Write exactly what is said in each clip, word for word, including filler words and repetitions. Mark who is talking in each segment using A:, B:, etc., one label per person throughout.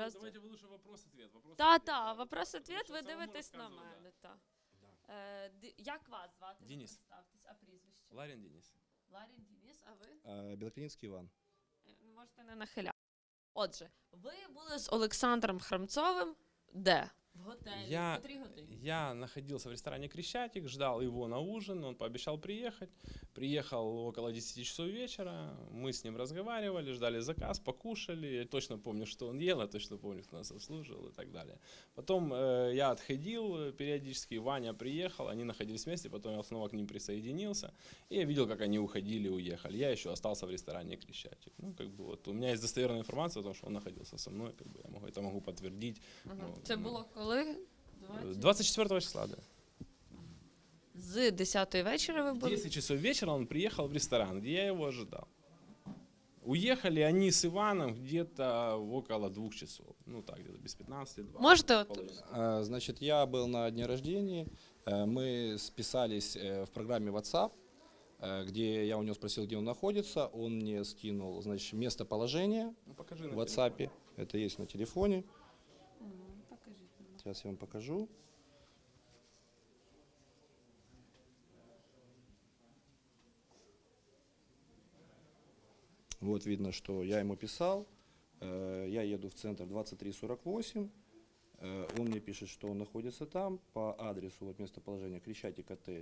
A: раз.
B: Давайте вы лучше вопрос-ответ. Вопрос
A: Та, та, вопрос-ответ, ви
B: Потому що
A: дивитесь на
B: самому
A: мене.
B: розказую,
A: Та. Е, ди- як вас звати? Ви
B: Денис.
A: представтесь, а прізвище?
B: Ларин Денис.
A: Ларін Денис, а ви?
C: Белоклинский Иван.
A: Е, Можете не нахиляти. Отже, ви були з Олександром Храмцовим де? В готелі.
B: Я-
A: В котрій годині?
B: Я находился в ресторане «Крещатик», ждал его на ужин, он пообещал приехать. Приехал около десяти часов вечера, мы с ним разговаривали, ждали заказ, покушали. Я точно помню, что он ел, я точно помню, кто нас обслуживал и так далее. Потом э, я отходил периодически, Ваня приехал, они находились вместе, потом я снова к ним присоединился. И я видел, как они уходили, уехали. Я еще остался в ресторане «Крещатик». Ну, как бы вот, у меня есть достоверная информация о том, что он находился со мной, как бы я могу, это могу подтвердить.
A: Ага.
B: Ну,
A: Це
B: ну,
A: було коли? двадцять?
B: двадцать четвёртого числа, да.
A: З десятої вечора ви
B: В
A: були?
B: десять часов вечера он приехал в ресторан, где я его ожидал. Уехали они с Иваном где-то около двух часов. Ну так, где-то без пятнадцати. два.
A: Можете от
B: Половина.
C: А, Значит, я был на дне рождения. Э, Мы списались э, в программе WhatsApp, э, где я у него спросил, где он находится. Он мне скинул, значит, местоположение
B: Ну покажи на
C: в WhatsApp. Это есть на телефоне. Сейчас я вам покажу. Вот видно, что я ему писал. Э, Я еду в центр двадцать три сорок восемь. Э, Он мне пишет, что он находится там по адресу, вот местоположения Крещатик отель,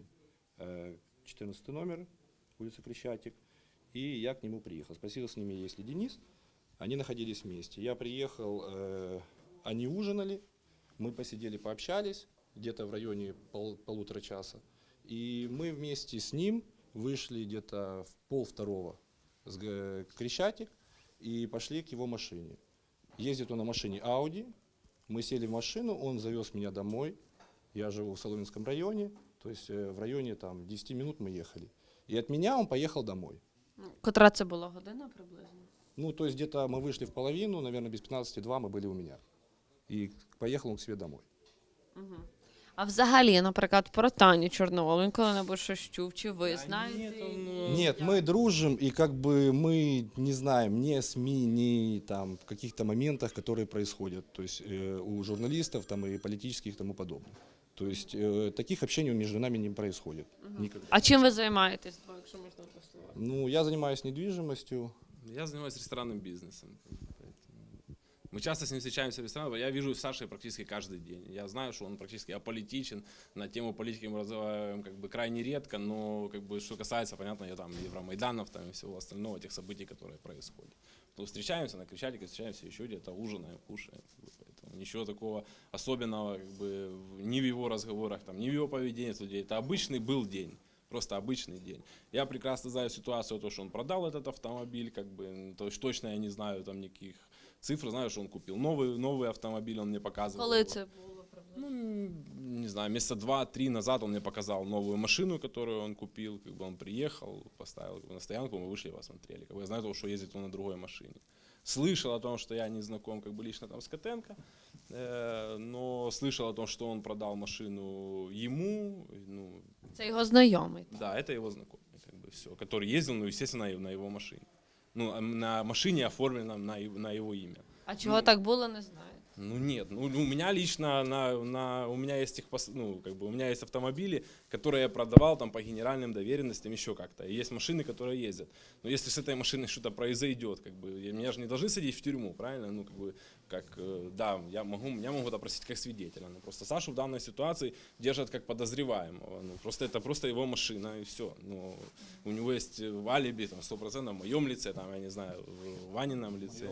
C: э, четырнадцатый номер, улица Крещатик. И я к нему приехал. Спросил с ними, есть ли Денис. Они находились вместе. Я приехал, э, они ужинали, мы посидели, пообщались где-то в районе пол- полутора часа. И мы вместе с ним вышли где-то в пол второго с г- Крещатик и пошли к его машине. Ездит он на машине Audi. Мы сели в машину, он завез меня домой. Я живу в Соломенском районе, то есть э, в районе там десяти минут мы ехали. И от меня он поехал домой.
A: Котра це була година приблизно?
C: Ну, то есть где-то мы вышли в половину, наверное, без пятнадцати два мы были у меня. И поехал он к себе домой.
A: Угу. А взагалі, наприклад, про Таню Чорновол, він коли-небудь щось чув, чи ви
B: Да
A: знаєте?
B: нет, он,
A: її?
B: ну,
C: Нет, мы дружим, и как бы мы не знаем ни о СМИ, ни там в каких-то моментах, которые происходят, то есть э, у журналистов там и политических и тому подобное. То есть э, таких общений между нами не происходит. Никогда.
A: А чим ви займаєтесь, якщо можна послухати?
C: Ну, я занимаюсь недвижимостью.
B: Я занимаюсь ресторанным бизнесом. поэтому Мы часто с ним встречаемся в ресторанах. Я вижу Сашей практически каждый день. Я знаю, что он практически аполитичен. На тему политики мы разговариваем как бы крайне редко, но как бы что касается, понятно, я там Евромайданов там, и всего остального, тех событий, которые происходят. То встречаемся на Крещатике, встречаемся еще где-то, ужинаем, кушаем. Как бы, поэтому ничего такого особенного как бы, в- ни в его разговорах, там, ни в его поведении с людей. Это обычный был день. Просто обычный день. Я прекрасно знаю ситуацию, то, что он продал этот автомобиль, как бы, то есть точно я не знаю там никаких цифр, знаю, что он купил новый, новый автомобиль, он мне показывал.
A: Коли це було приблизно?
B: Ну, не знаю, месяца два-три назад он мне показал новую машину, которую он купил, как бы он приехал, поставил как бы, на стоянку, мы вышли и посмотрели. Как бы я знаю, того, что ездит он на другой машине. Слышал о том, что я не знаком как бы лично там с Котенко, э, но слышал о том, что он продал машину ему, ну,
A: Це його знайомий.
B: да, это его знакомый, как бы все, который ездил, ну, естественно, на его машине. Ну, а на машине, оформленном на, его- на его имя.
A: А чого
B: Ну,
A: так було, не знаю.
B: Ну нет, ну у меня лично на, на у меня есть их пос- ну как бы у меня есть автомобили, которые я продавал там по генеральным доверенностям еще как-то. И есть машины, которые ездят. Но если с этой машиной что-то произойдет, как бы я- меня же не должны садить в тюрьму, правильно? Ну как бы как э, да, я могу меня могут опросить как свидетеля. Но просто Сашу в данной ситуации держат как подозреваемого. Ну просто это просто его машина и все. Ну у него есть в алиби там сто процентов в моем лице, там я не знаю, в Ванином лице.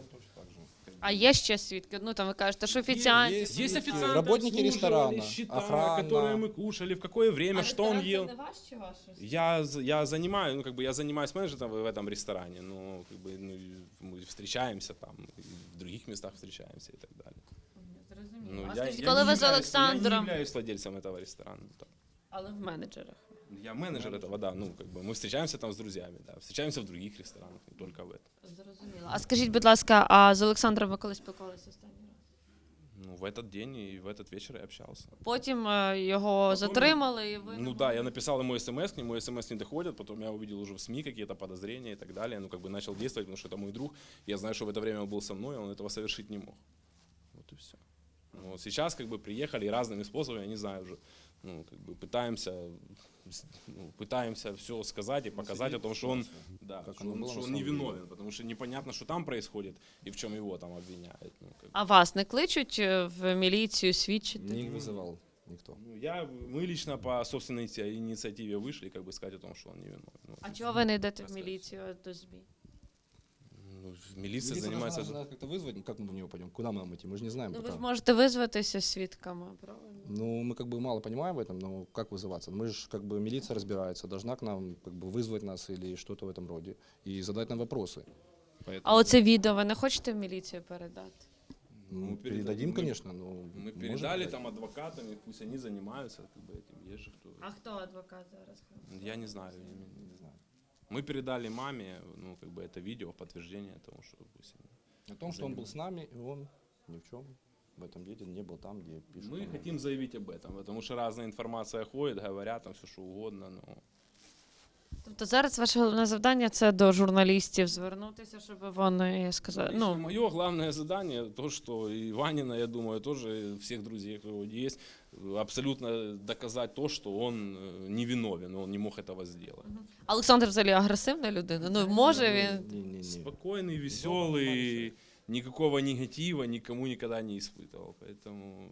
A: А є ще свідки? Ну там ви кажете, що офіціанти.
C: Есть,
B: Есть
C: свидетели,
B: официанты,
C: работники
B: обслуживали,
C: ресторана,
B: счета,
C: охрана.
B: которые мы кушали, в какое время,
A: А
B: что он
A: ресторан
B: ел.
A: це не ваш чи ваш?
B: Я, з- я занимаю, ну как бы я занимаюсь менеджером в этом ресторане, но как бы ну, и мы встречаемся там, и в других местах встречаемся и так далее.
A: Зрозуміло.
B: Ну,
A: А
B: я,
A: скажіть,
B: я
A: коли
B: не
A: ви з
B: являюсь- Я
A: Олександром,
B: не являюсь владельцем этого ресторана. так.
A: але в менеджерах.
B: Я менеджер этого, да, ну как бы мы встречаемся там с друзьями, да, встречаемся в других ресторанах, не только в этом.
A: Зрозуміло. А скажіть, будь ласка, а з Олександром ви коли спілкувалися останній раз?
B: Ну в этот день и в этот вечер я общался.
A: Потім е, його затримали і ви...
B: Ну да, я написал ему смс, к нему смс не доходит, потом я увидел уже в СМИ какие-то подозрения и так далее, ну как бы начал действовать, потому что это мой друг, я знаю, что в это время он был со мной, он этого совершить не мог. Вот и все. Ну, вот сейчас как бы приехали разными способами, я не знаю уже, ну, как бы пытаемся, ну, пытаемся все сказать и показать о том, что он, да,
C: Как
B: что
C: оно
B: он,
C: было
B: что
C: на
B: он
C: самом деле.
B: невиновен, потому что непонятно, что там происходит и в чем его там обвиняют. Ну, как бы.
A: А вас не кличуть е, в міліцію свідчити?
C: Не вызывал никто.
B: Ну, я, мы лично по собственной иници- инициативе вышли, как бы сказать о том, что он невиновен. Ну,
A: А чого ви не йдете в
B: Розкажіть.
A: міліцію а до ЗМІ?
B: ну, милиция
C: Милиция
B: занимается...
C: должна нас как-то вызвать, ну, как мы в него пойдем, куда мы нам идти, мы же не знаем
A: Ну, ви
C: пока.
A: ж можете визватися свідками, правильно?
C: Ну, мы как бы мало понимаем в этом, но как вызываться? Мы же как бы милиция разбирается, должна к нам как бы вызвать нас или что-то в этом роде и задать нам вопросы. Поэтому,
A: А оце відео ви не хочете в міліцію передати?
C: ну,
B: Мы
C: передадим,
B: мы-
C: конечно, но
B: Мы
C: можем
B: передали
C: дать.
B: там адвокатам, и пусть они занимаются как бы этим. Есть же кто.
A: А хто адвокат зараз?
B: Я не знаю, я не, не знаю. Мы передали маме, ну, как бы это видео в подтверждение тому, что пусть они...
C: О том, что он был с нами, и он ни в чем в этом деле не был там, где пишут.
B: Мы
C: о нем.
B: хотим заявить об этом, потому что разная информация ходит, говорят там все что угодно, но...
A: Тобто зараз ваше головне завдання це до журналістів звернутися, щоб вони сказали.
B: Ну,
A: Ну,
B: мое главное задание, то, что и Ванина, я думаю, тоже и всех друзей, кто у него есть, абсолютно доказать то, что он э, невиновен, он не мог этого сделать.
A: Олександр взагалі агресивна людина. Ну, може він.
C: Не-не-не.
B: Спокойный, веселый, никакого негатива никому никогда не испытывал, поэтому...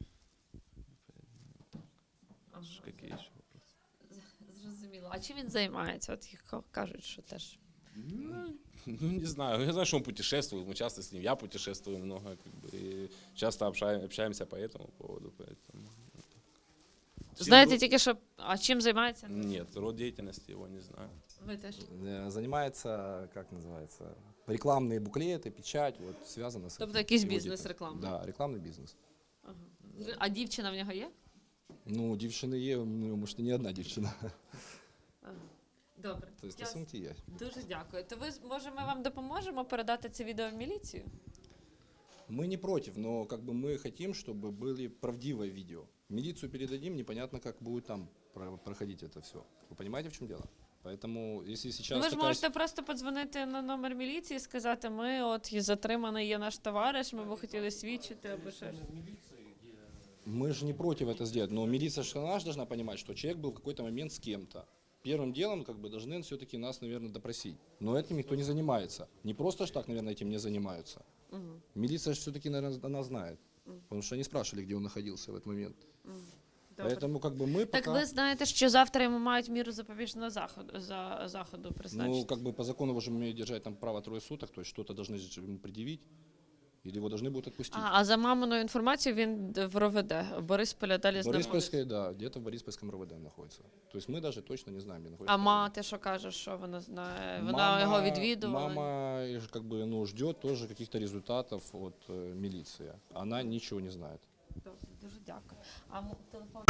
B: Какие еще вопросы?
A: Зрозуміло. А чим він займається? От їх кажуть, що теж.
B: Ну, ну, не знаю. Я знаю, что он путешествует. Мы часто с ним, я путешествую много, как бы, и часто общаем- общаемся по этому поводу. Поэтому, ну, так. Все
A: Знаєте
B: род-
A: тільки, що. А чим займається?
B: Нет, род деятельности его не знаю.
A: Ви теж.
C: Э, Занимается, как называется, рекламные буклеты, печать, вот связано с
A: Тобто
C: этим.
A: якийсь
C: Его
A: бізнес
C: деятельность.
A: рекламний?
C: Да, рекламный бизнес.
A: Ага. А дівчина в нього є?
C: Ну, дівчини є, ну, может, и не одна дівчина.
A: Ага. Добре.
C: То есть
A: Я
C: стосунки є.
A: Дуже дякую. То ви може ми вам допоможемо передати це відео в міліцію?
C: Мы не против, но как бы мы хотим, чтобы были правдивые видео. Милицию передадим, непонятно, как будет там про- проходить это все. Вы понимаете, в чем дело? Поэтому, если сейчас
A: Ну, ви ж
C: такая
A: можете просто подзвонити на номер міліції і сказати, ми от і затриманий є наш товариш, ми б хотіли свідчити або ще щось.
C: Мы же не против это сделать, но милиция же она же должна понимать, что человек был в какой-то момент с кем-то. Первым делом как бы должны все-таки нас, наверное, допросить. Но этим никто не занимается. Не просто ж так, наверное, этим не занимаются.
A: Мгм.
C: Милиция же все-таки, наверное, она знает.
A: Мгм.
C: Потому что они спрашивали, где он находился в этот момент.
A: Мгм. Добре.
C: Поэтому как бы мы
A: Так
C: пока...
A: ви знаєте, що завтра йому мають міру запобіжного заходу, за, заходу призначити?
C: Ну, как бы по закону его же умеют держать там право трое суток, то есть что-то должны же ему предъявить, или его должны будут отпустить.
A: А, а за маминою інформацією він д- в РОВД, Борисполя далі знаходиться.
C: Бориспольская, да, где-то в Бориспольском РОВД находится. То есть мы даже точно не знаем, где находится.
A: А мати що каже, що вона знає? Вона
C: Мама-
A: його відвідувала?
C: Мама э, как бы, ну, ждет тоже каких-то результатов от э, милиции. Она ничего не знает.
A: Добре, дуже дякую. А м- телефон